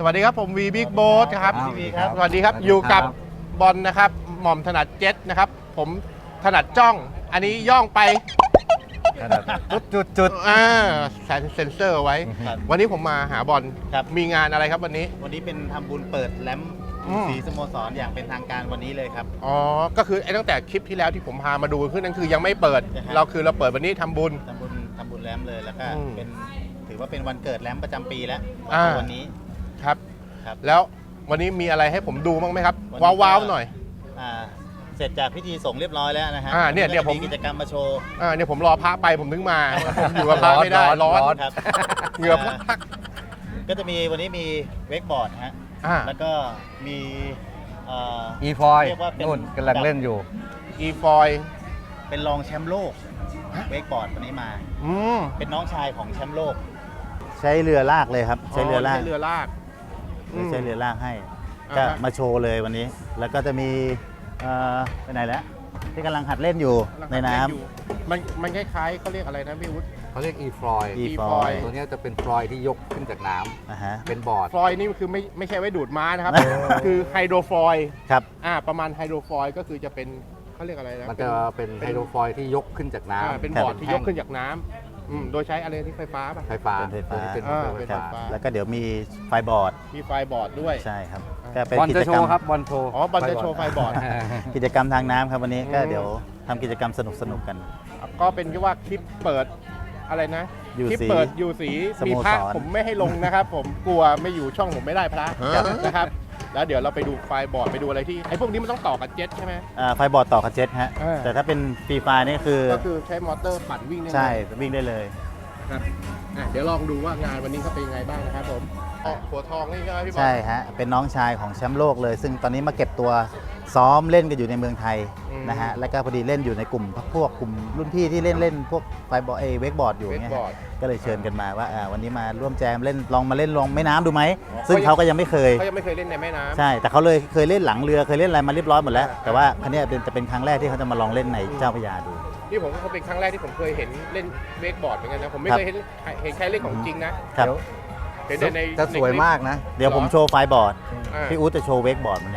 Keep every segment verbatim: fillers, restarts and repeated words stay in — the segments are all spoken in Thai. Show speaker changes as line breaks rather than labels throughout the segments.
วัสดีครับผมวีบิ๊กโบ๊ทครับ
สวัสดีครับ
สวัสดีครับอยู่กับบอลนะครับหม่อมถนัดเจ็ตนะครับผมถนัดจ้องอันนี้ย่องไป
จุดจุดจุด
อ่าใส่เซ็นเซอร์เอาไว้
ครับ
วันนี้ผมมาหาบอล
ครับ
มีงานอะไรครับวันนี้
วันนี้เป็นทำบุญเปิดแลมป์
อืม
สีสโมสรอย่างเป็นทางการวันนี้เลยครับ
อ๋อก็คือไอ้ตั้งแต่คลิปที่แล้วที่ผมพามาดูขึ้นนั่นคือยังไม่เปิด
ใช่ครับ
เราคือเราเปิดวันนี้ทำบุญ
ทำบุญทำบุญแลมป์เลยแล้วก็
อืม
เป็นถือว่าเป็นวันเกิดแลมป์ประจำปีแล้ว
อ่า
วันนี้
ครับ
ครับ
แล้ววันนี้มีอะไรให้ผมดูบ้างไหมครับ
วันนี้ก็
ว้าวๆหน่อย
อ่าเสร็จจากพิธีส่งเรียบร้อยแล้วนะฮะ
อ่าเนี่ย
ก็
เดี๋ยว
จะ
ผม
กิจกรรมมาโชว์
อ่าเนี่ยผมรอพระไปผมถึงมาผมอยู่กับพระไม่ได้ร้อน
ครับ
เหงื่อพัก
ก็จะมีวันนี้มีเวกบอร์ดฮะ
อ่า
แล้วก็มีเอ่อ
อีฟอย
เรียกว่าเป็น
นู่นกำลังเล่นอยู่
อีฟอย
เป็นรองแชมป์โลกเวกบอร์ดวันนี้มา
อืม
เป็นน้องชายของแชมป์โลก ใช้เรือลากเลยครับ ใช้เรือลาก
ใช้เรือลากม
ใช้เรือลากให้
อ่า
ก็
ฮะ
มาโชว์เลยวันนี้ แล้วก็จะมีเอ่อไปไหนแล้วที่กำลังหัดเล่นอยู่ในน้ำ
อยู่มันมันคล้ายๆเขาเรียกอะไรนะพี่วุฒิ
เขาเรียกอีฟอย
อี
E
ฟ
ฟ
อ
อย ย
ตัวเนี้ยจะเป็นฟลอยที่ยกขึ้นจากน้
อ่าฮะ
ำเป็นบอร์ด
ฟอยนี่คือไม่ไม่ใช่ไว้ดูดม้านะครับ
เออ
คือไฮโดรฟอย
ครับ
อ่าประมาณไฮโดรฟอยก็คือจะเป็นเขาเรียกอะไรนะ
มันจะเป็นไฮโดรฟอยที่ยกขึ้นจาก
อ่า
น้ำ
เป็นบอร์ดที่ยกขึ้นจากน้ำอืมโดยใช้อะไรที่ไฟฟ้าป่ะ
ไฟฟ้า
เป็นไฟฟ้า
ตัวนี้เป็น
อ่า
ไฟ
เป็น
ฟ้า
ไฟฟ้า
แล้วก็เดี๋ยวมีไฟบอร์ด
มีไฟบอร์ดด้วย
ใช่ครับ
อ่า
ก็เป็น
บอล
กิ
จะ
จ
โช
กรรม
ว์ครับบอลโชว์
อ๋อบอลจะโชว์ไฟบอร์ด
กิจกรรมทางน้ำครับวันนี้ก็
อืม
เดี๋ยวทำกิจกรรมสนุกสนุกๆกัน
ก็เป็นที่ว่าคลิปเปิดอะไรนะ
อยู่
คลิป
สี
เปิดอยู่สี
สโม
มีพระ
สร
ผมไม่ให้ลงนะครับ ผมกลัวไม่อยู่ช่องผมไม่ได้พระนะครับแล้วเดี๋ยวเราไปดูไฟบอร์ดไปดูอะไรที่ไอ้พวกนี้มันต้องต่อกับเจ็ตใช่ไหม
อ่าไฟบอร์ดต่อกับเจ็ตฮะ
อ่า
แต่ถ้าเป็นฟรีไฟนี่คือ
ก็คือใช้มอเตอร์ปั่นวิ่งได้เลย
ใช่วิ่งได้เลย
ครับอ่ะเดี๋ยวลองดูว่างานวันนี้เขาเป็นยังไงบ้างนะครับผมอ๋อหัวทองนี่ใช่ไหมพี่บอล
ใช่ฮะ เป็นน้องชายของแชมป์โลกเลย ซึ่งตอนนี้มาเก็บตัวซ้อมเล่นกันอยู่ในเมืองไทย
อืม
นะฮะ แล้วก็พอดีเล่นอยู่ในกลุ่มพวกกลุ่มรุ่นพี่ที่เล่นเล่นพวกไฟบอลเอเวกบอร์ดอยู่
เวก
เงี้ย
บอ
ฮะ
ร์ด
ก็เลยเชิญกันมาว่าอ่าวันนี้มาร่วมแจมเล่นลองมาเล่นลองแม่น้ำดูไหม
อ๋อ
ซึ่งเขาก็ยังไม่เคย
เขายังไม่เคยเล่นในแม่น้ำ
ใช่ แต่เขาเลยเคยเล่นหลังเรือเคยเล่นอะไรมาเรียบร้อยหมดแล้ว
อ่า
แต่ว่าครั้งนี้ยเป็นจะเป็นครั้งแรกที่เขาจะมาลองเล่นในเจ้าพระยาดู
นี่ผมก็เป็นครั้งแรกที่ผมเคยเห็นเล่นเวกบอร์ดเหมือนกันนะผมไม่
ครับ
เคยเห็นเห็นใครเล่นของจริงนะครับ เห็นแต่ใน
จะสวยมากนะ
เดี๋ยวผมโชว์ไฟบอร์ด
อ่า
พี่อู๊ดจะโชว์เวกบอร์ดมัน
อื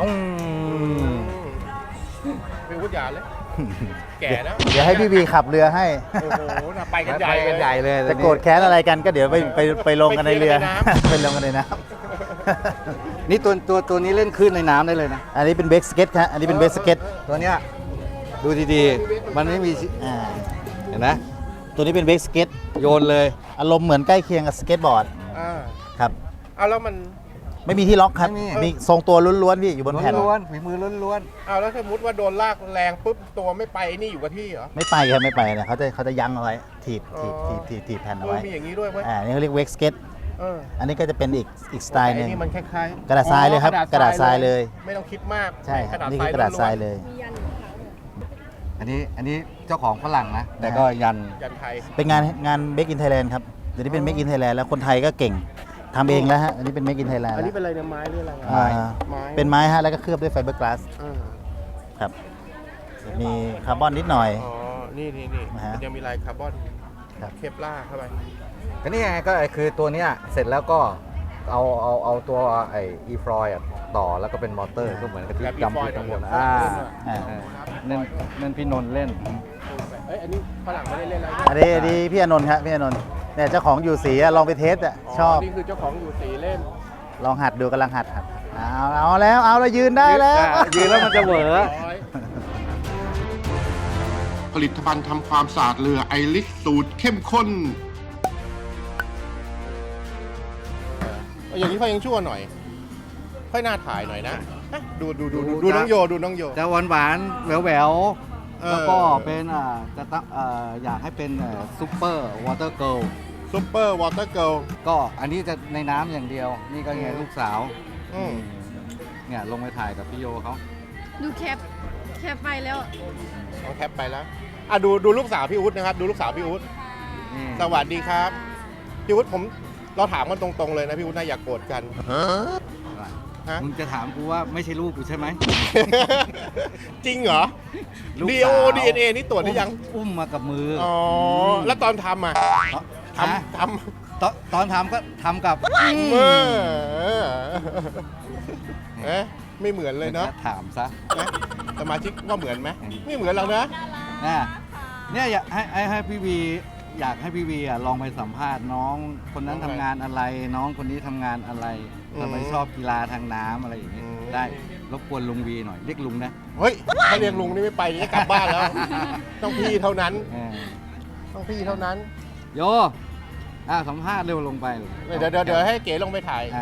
เนี่ย
ม
พี่วุฒิยาเลย แก่แล้ว
เดี๋ยวให้พี่วีขับเรือให้
โอ้โหน่ะไปกันใหญ่
ไปกันใหญ่เลย
จะโกรธแค้นอะไรกันก็เดี๋ยวไปไปไปลงกันในเรือ
ไปเคลียร์กันในน้ำ
ไปลงกันในน้
นี่ตัวตัวตัวนี้เล่นคลื่นในน้ำได้เลยนะ
ำอันนี้เป็นเบรกสเก็ตครับอันนี้เป็นเบรกสเก็ต
ตัวเนี้ยดูดีๆ มันไม่มีชิ
อ่า
เห็นไหม
ตัวนี้เป็นเบรกสเก็ต
โยนเลย
อารมณ์เหมือนใกล้เคียงกับสเก็ตบอร์ด
อ่า
ครับ
เอาแล้วมัน
ไม่มีที่ล็อกครับ
ไม่มี
มีทรงตัวล้วนๆพี่อยู่บนแผ่น
ล้วนๆฝีมือล้วน
เอาแล้วสมมติว่าโดนลากแรงปุ๊บตัวไม่ไปนี่อยู่กับที่เหรอ
ไม่ไปครับไม่ไปเนี่ยเขาจะเขาจะยั้งเอาไว้ถีบถีบ
อ๋
ถี
อ
บถีบถีบแผ่น
เอ
เอา
อ
ไว้
มีอย่างนี้ด้วยเว้ย
อ่านี่เขาเรียกเวกสเก็ต
เออ
อันนี้ก็จะเป็นอีกอีกสไตล์หนึ่ง
อ้นี่มันคล้ายๆ
กระดาษทรายเลยครับ
อ๋อก
ระดาษทรายเลย
ไม่ต้องคิดมาก
ใช่
กระดาษ
นี่
ทรา
คื
ย
อกระดาษทราย
ล้วน
เลย
ๆ อันนี้อันนี้เจ้าของฝรั่งนะ แต่ก็ยัน
ๆยันไทย
เป็นงานงานเม k อินไทยแลนด์ครับเดี๋ยวนี้เป็นเม k อินไทยแลนด์แล้วคนไทยก็เก่งทำเองแล้วฮะอันนี้เป็นเม k อินไทยแลนด์
อันนี้
แล้ว
เป็นอะไรเนี่ยไม้หรืออะไร
อ่า
ไม้
เป็นไม้ฮะแล้วก็เคลือบด้วยไฟเบอร์กลาส
อ่า
ครับมีคาร์บอนนิดหน่อย
อ๋อ นี่นี่นี่
นะฮะ
มันยังมีลายคาร์บอน
ครับ
เคปล่าเข้าไป
ก็นี่ไงก็คือตัวเนี้ยเสร็จแล้วก็เอาเอาเอาตัวไอ้อีฟอยต่อแล้วก็เป็นมอเตอร์ก็เหมือนกับที่
แบบ
จำ
E-foil
ที่ข้างบน
แบบ
อ่า
อ่า
เออนั่นนั่นพี่นนท์เล่น
เอ้ย อันนี้ฝรั่งไม่ได้เล่นอะไร
อันนี้อันนี้พี่อานนท์ครับพี่อานนท์เนี่ยเจ้าของอยู่สีอะลองไปเทสอ่ะชอบ
นี่คือเจ้าของอยู่สีเล่น
ลองหัดดูกำลังหัดหัดเอาเอาแล้วเอาแล้วยืนได้แล้ว
ยืนแล้วมันจะเหวอ
ผลิตภัณฑ์ทำความสะอาดเรือไอริสสูตรเข้มข้นเอออย่างนี้ค่อยยังชั่วหน่อย ค่อยน่าถ่ายหน่อยนะฮะดูดูดูดูดูน้องโยดูน้องโย
จะหวานหวานแหววแหววๆ
เออ
แล้วก็เป็นอ่าจะตั้งอ่าอยากให้เป็นซูเปอร์วอเตอร์เกิล
ซุปเปอร์วอเตอร์เกิล
ก็อันนี้จะในน้ำอย่างเดียว นี่ก็ไง
อืม
ลูกสาว
อืม
เนี่ยลงไปถ่ายกับพี่โยเขา
ดูแคป แคปไปแล้ว
เอาแคปไปแล้วอ่ะดูดูลูกสาวพี่อุ๊ดนะครับ ดูลูกสาวพี่อุ๊ด
นี่
สวัสดีครับพี่อุ๊ดผมเราถามกันตรงๆเลยนะพี่อุ๊ดนะอย่ากโกรธกันฮะ
มึงจะถามกูว่าไม่ใช่ลูกกูใช่ไหม
จริงเหรอ
ลูก
ดี
สา
โอ
ว
ดีเอ็นเอนี่ตรวจหรือยัง
อุ้มมากับมือ
อ๋อ
ม
แล้วตอนทำอ่ะ
ฮะ
ทำท
ตอนตอนทำก็ทำกับ
เออเอ๊ะไม่เหมือนเลยเนาะ
ถามซะ
นะสมาชิกว่าเหมือนไหมไม่เหมือนเราเนอะ
เนี่ยเนี่ยอยากให้ให้ให้พี่วีอยากให้พี่วีอ่ะลองไปสัมภาษณ์น้องคนนั้นทำงานอะไร น้องคนนี้ทำงานอะไรทำไมชอบกีฬาทางน้ำอะไรอย่างเงี้ยได้รบกวนลุงวีหน่อยเรียกลุงนะ
เฮ้ยถ้าเรียกลุงนี่ไม่ไปจะกลับบ้านแล้ว ต้องพี่เท่านั้น
เออ
ต้องพี่เท่านั้น
โยอ่ะสัมภาษณ์เร็วลงไป
เดี๋ยวเดี๋ยวเดี๋ยวให้เก๋ลงไปถ่าย
อ่า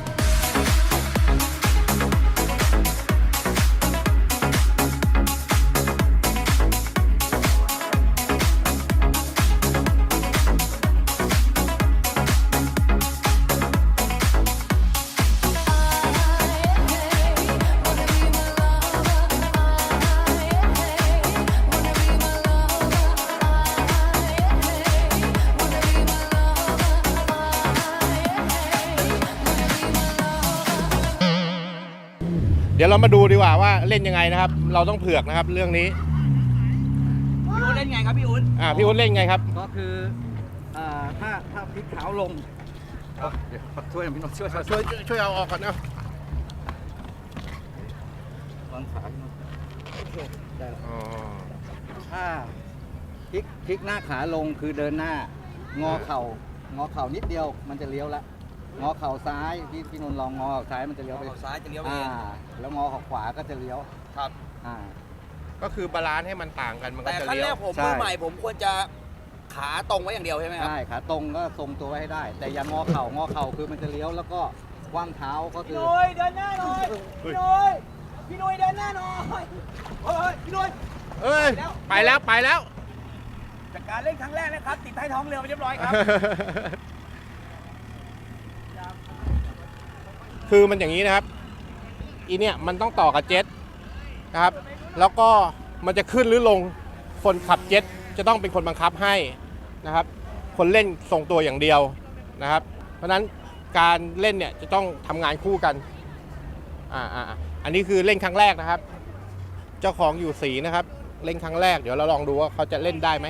เดี๋ยวเรามาดูดีกว่าว่าเล่นยังไงนะครับ เราต้องเผือกนะครับเรื่องนี้
พี่อุ้นเล่นไงครับพี่อุ้น
อ่าพี่อุ้นเล่นไงครับ
ก็คืออ่าถ้าถ้าพลิกเท้าลงเอาเดี๋ยวช่วยหน่อยพี่นนท์ช่วยช่วย
ช่วยช่วยเอาออกก่อนนะ
ตอนขาพี่นนท์โอเคได้แล้ว
อ๋อ
ถ้าพลิกพลิกหน้าขาลงคือเดินหน้างอเข่างอเข่านิดเดียวมันจะเลี้ยวละงอเข่าซ้ายพี่พี่นนท์ลองงอเข่าซ้ายมันจะเลี้ยวไป
ออกซ้ายจะเลี้ยวไป
อ่า
เอง
แล้วงอเข่าขวาก็จะเลี้ยว
ครับ
อ่า
ก็คือบาลานซ์ให้มันต่างกันมันก็
แต่
จะ
ขั้น
เลี้
แร
ยว
กผม
ใช่
มือใหม่ผมควรจะขาตรงไว้อย่างเดียวใช่ไหมครับ
ใช่ขาตรงก็ทรงตัวไว้ให้ได้ แต่อย่างงอเข่างอเข่าคือมันจะเลี้ยวแล้วก็คว่ำเท้าก็คือ
พี่นุ้ยเดินหน้าหน่อยพี่นุ้ยพี่นุ้ยเดินหน้าหน่อยเฮ้ยพี่นุ้ย
เอ้ยไปแล้วไปแล้ว
จากการเล่นครั้งแรกนะครับติดใต้ท้องเรือไปเรียบร้อยครับ
คือมันอย่างนี้นะครับอีเนี่ยมันต้องต่อกับเจ็ตนะครับ แล้วก็มันจะขึ้นหรือลงคนขับเจ็ตจะต้องเป็นคนบังคับให้นะครับ คนเล่นทรงตัวอย่างเดียวนะครับ เพราะฉะนั้นการเล่นเนี่ยจะต้องทำงานคู่กันอ่าอ่าอันนี้คือเล่นครั้งแรกนะครับ เจ้าของอยู่สีนะครับ เล่นครั้งแรกเดี๋ยวเราลองดูว่าเขาจะเล่นได้ไหม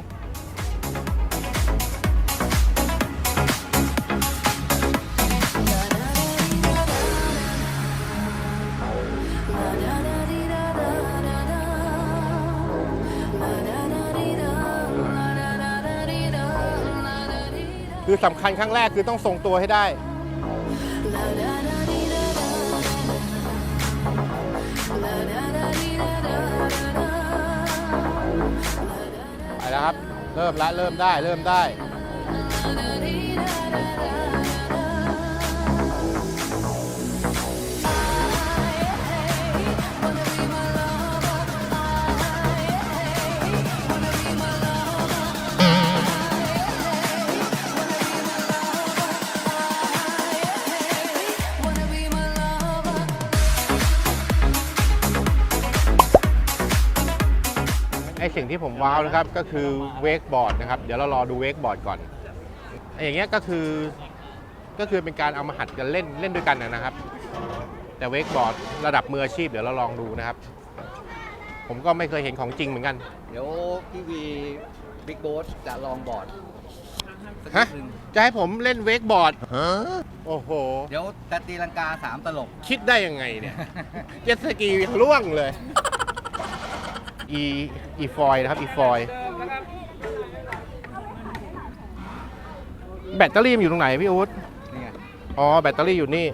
คือสำคัญครั้งแรกคือต้องทรงตัวให้ได้ไปแล้วครับ เริ่มละเริ่มได้เริ่มได้ ไอสิ่งที่ผมว้าวนะครับก็คือเวกบอร์ดนะครับเดี๋ยวเรารอดูเวกบอร์ดก่อนไออย่างเงี้ยก็คือก็คือเป็นการเอามาหัดกันเล่นเล่นด้วยกันนะครับ แต่เวกบอร์ดระดับมืออาชีพเดี๋ยวเราลองดูนะครับ ผมก็ไม่เคยเห็นของจริงเหมือนกัน
เดี๋ยวพี่วีบิ๊กโบ๊ทจะลองบอร์ดสักนิ
ฮะ
ดนึง
จะให้ผมเล่นเวกบอร์ดโอ้โห
เดี๋ยวจะตีลังกาสามตลบ
คิดได้ยังไงเนี่ย เจ็ตสกียังล่วงเลยอีอีฟอยนะครับอีฟอยแบตเตอรี่มันอยู่ตรงไหนพี่อุ๊ด
นี่ไง
อ๋อแบตเตอรี่อยู่นี่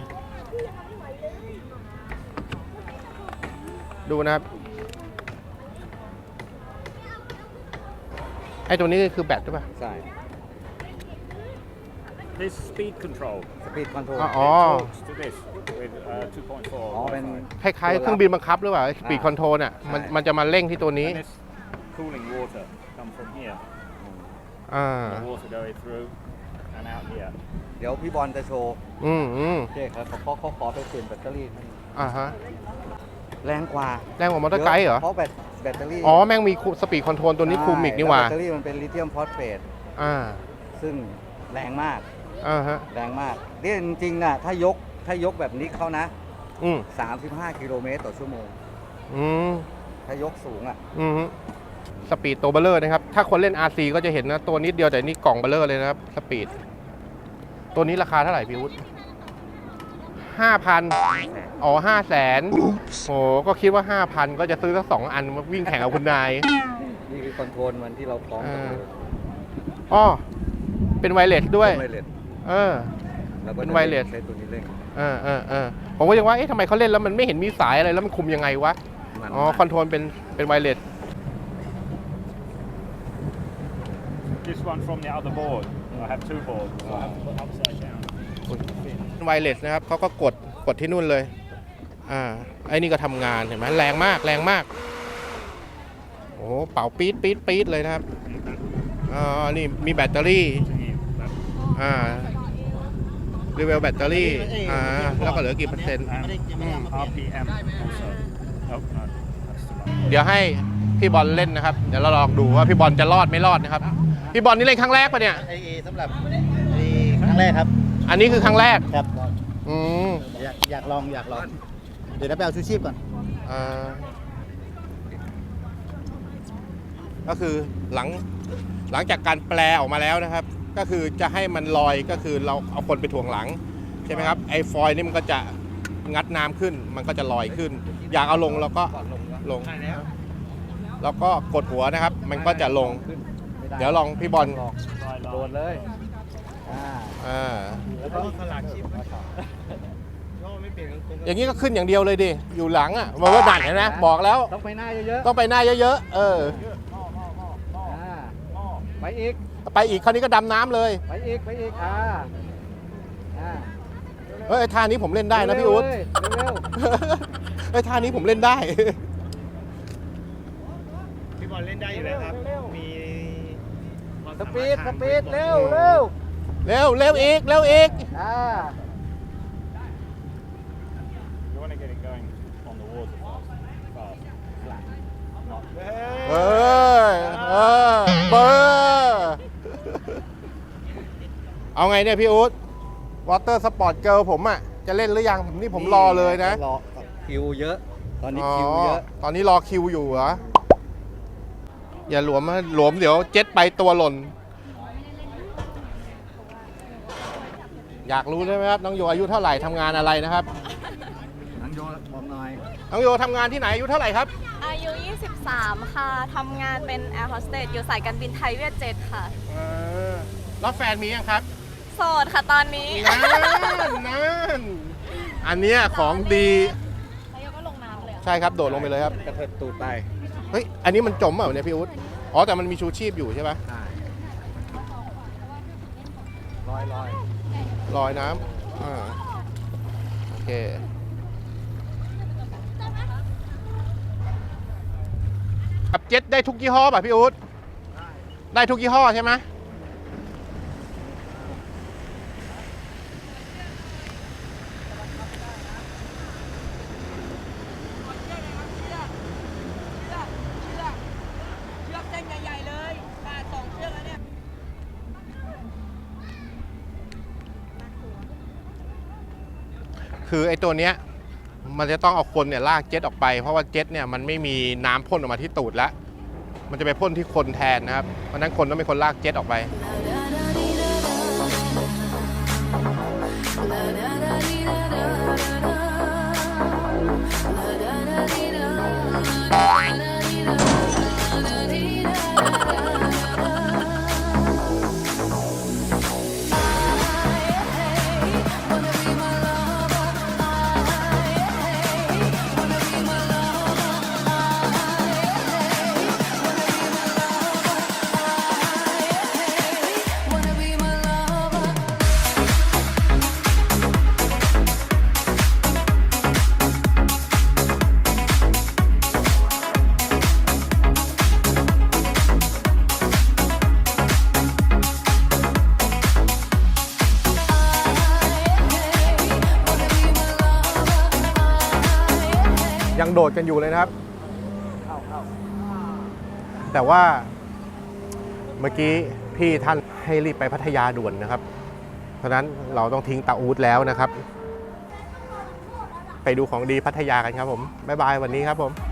ดูนะครับไอ้ตัวนี้คือแบตใช่ป่ะ
ใช่
This speed control
สปีดคอนโทรล
อ๋ออ๋อ
talks to this with uh, two point four
อ๋อเป็น
คล้ายๆเครื่องบินบังคับหรือเปล่าสปีดคอนโทรลน่ะมัน
ใช่
มันจะมาเร่งที่ตัวนี้
and this cooling water come from here
อ่า
the water going through and out here
เดี๋ยวพี่บอลจะโชว์
อืมอืม
โอเคครับเขาเขาขอไปเปลี่ยนแบตเตอรี่ให้
อ่าฮะ
แรงกว่า
แรงกว่ามอเตอร์ไกด์เหรอ
เพราะแบตแบตเตอรี่
อ๋อ แม่งมีสปีดคอนโทรลตัวนี้คูมิกนี่หว่า
แบตเตอรี่มันเป็นลิเธียมฟอสเฟต
อ่า
ซึ่งแรงมาก
อ่าฮะ
แรงมากนี่จริงๆน่ะถ้ายกถ้ายกแบบนี้เขานะ
อืม
สามสิบห้ากิโลเมตรต่อชั่วโมง
อืม
ถ้ายกสูงอ่ะ
อืมสปีดตัวเบลเลอร์นะครับ ถ้าคนเล่น อาร์ ซี ก็จะเห็นนะ ตัวนิดเดียวแต่นี่กล่องเบลเลอร์เลยนะครับ สปีดตัวนี้ราคาเท่าไหร่พี่วุฒิห้าพันอ๋อห้าแสนโอ้ก็คิดว่าห้าพันก็จะซื้อสักสองอันมาวิ่งแข่งกับคุณนาย
นี่คือคอนโทรลมันที่เราคล้องกับมือ
อ๋อเป็นไวเลสด้วย
ไวเลส
เออ
แล้วก็
เป็นไวเลส
ใช้ตัวนี้เร่ง
เออเออเออผมก็ยังว่า เอ๊ะทำไมเขาเล่นแล้วมันไม่เห็นมีสายอะไรแล้วมันคุมยังไงวะ
มัน
อ๋อ คอนโทรลเป็น เป็นไวเลส
This one from the other board. I have two boards. So I have to put upside down.
ไวเลสนะครับเขาก็กด กดที่นู่นเลย อ่า ไอ้นี่ก็ทำงานเห็นไหมแรงมาก แรงมาก โอ้เป่าปี๊ดปี๊ดปี๊ดเลยนะครับ อ๋อ นี่มีแบตเตอรี่ อ่ารีเวลแบตเตอรี่ อ่า แล้วก็เหลือกี่เปอร์เซ็นต์
And R P M also. Oh, no. That's too much.
เดี๋ยวให้พี่บอลเล่นนะครับ เดี๋ยวเราลองดูว่าพี่บอลจะรอดไม่รอดนะครับ พี่บอลนี่เล่นครั้งแรกปะเนี่ย
ไอสำหรับไอครั้งแรกครับ
อันนี้คือครั้งแรก
ครับ
อืม
อยากอยากลองอยากลอง เดี๋ยวเราไปเอาชูชีพก่อน
อ่าก็คือหลังหลังจากการแปลออกมาแล้วนะครับ ก็คือจะให้มันลอยก็คือเราเอาคนไปถ่วงหลังใช่ไหมครับไอ้ฟอยล์นี่มันก็จะงัดน้ำขึ้น มันก็จะลอยขึ้น อยากเอาลงแล้วก็ลงแล้วก็กดหัวนะครับ มันก็จะลง เดี๋ยวลองพี่บอล
โดนเลย อ่า
อ่า
แล้วก็สลักชิป
อย่างนี้ก็ขึ้นอย่างเดียวเลยดิอยู่หลังอ่ะมันว่าดันเห็นไหมบอกแล้ว
ต้องไปหน้าเยอะ
ต้องไปหน้าเยอะๆเออ
ๆ อ่า ไปอีก
ไปอีกคราวนี้ก็ดำน้ำเลย
ไปอีก ไปอีก อ่า อ่า
เฮ้ยท่านี้ผมเล่นได้นะพี่อุ๊ด
เร็ว
เฮ้ยท่านี้ผมเล่นได้
พี่บอลเล่นได้อยู่แล้วครับ มีความ
ๆส
สามารถ
ปีด ส
ทาง
ปีด เร็วเร็ว
เร็วเร็วอีกเร็วอีก
อ่า
You want to get it going on the water first. Fast. Flat. Not
เออเออเบอร์เอาไงเนี่ยพี่อุ๊ดวอเตอร์สปอร์ตเกิร์ลผมอ่ะ จะเล่นหรือยังผมนี่ผมรอเลยนะ
รอคิวเยอะ ตอนนี้คิวเยอะ
ตอนนี้รอคิวอยู่เหรอ อย่าหลวมนะหลวมเดี๋ยวเจ็ตไปตัวหล่น อยากรู้ใช่ไหมครับน้องโยอายุเท่าไหร่ทำงานอะไรนะครับ
นังโยบอกหน่อย
น้องโยทำงานที่ไหนอายุเท่าไหร่ครับ
อายุ ยี่สิบสาม ค่ะ ทำงานเป็นแอร์โฮสเตสอยู่สายการบินไทยเวียดเจ็ตค่ะ
เออแล้วแฟนมียังครับ
โสดค่ะตอนนี้
นั่นนั่นอันเนี้ยของดี
แล้วโยก็ลงน้ำเลยอะ
ใช่ครับโดดลงไปเลยครับ
กระเทิดตูดไป
เฮ้ยอันนี้มันจมเปล่าเนี่ยพี่อุ๊ดอ๋อแต่มันมีชูชีพอยู่ใช่ปะ
ใช่ลอยลอย
ลอยน้ำอ่าโอเคขับเจ็ตได้ทุกยี่ห้อป่ะพี่อุ๊ดได้ทุกยี่ห้อใช่ไหม
เชือกเส้นใหญ่ๆเลยขาดสองเชือกแล้วเนี่ย
คือไอ้ตัวเนี้ยมันจะต้องเอาคนเนี่ยลากเจ็ตออกไปเพราะว่าเจ็ตเนี่ยมันไม่มีน้ำพ่นออกมาที่ตูดแล้วมันจะไปพ่นที่คนแทนนะครับเพราะฉะนั้นคนต้องเป็นคนลากเจ็ตออกไป ยังโดดกันอยู่เลยนะครับ แต่ว่าเมื่อกี้พี่ท่านให้รีบไปพัทยาด่วนนะครับ เพราะฉะนั้นเราต้องทิ้งตาอูดแล้วนะครับ ไปดูของดีพัทยากันครับผม บ๊ายบายวันนี้ครับผม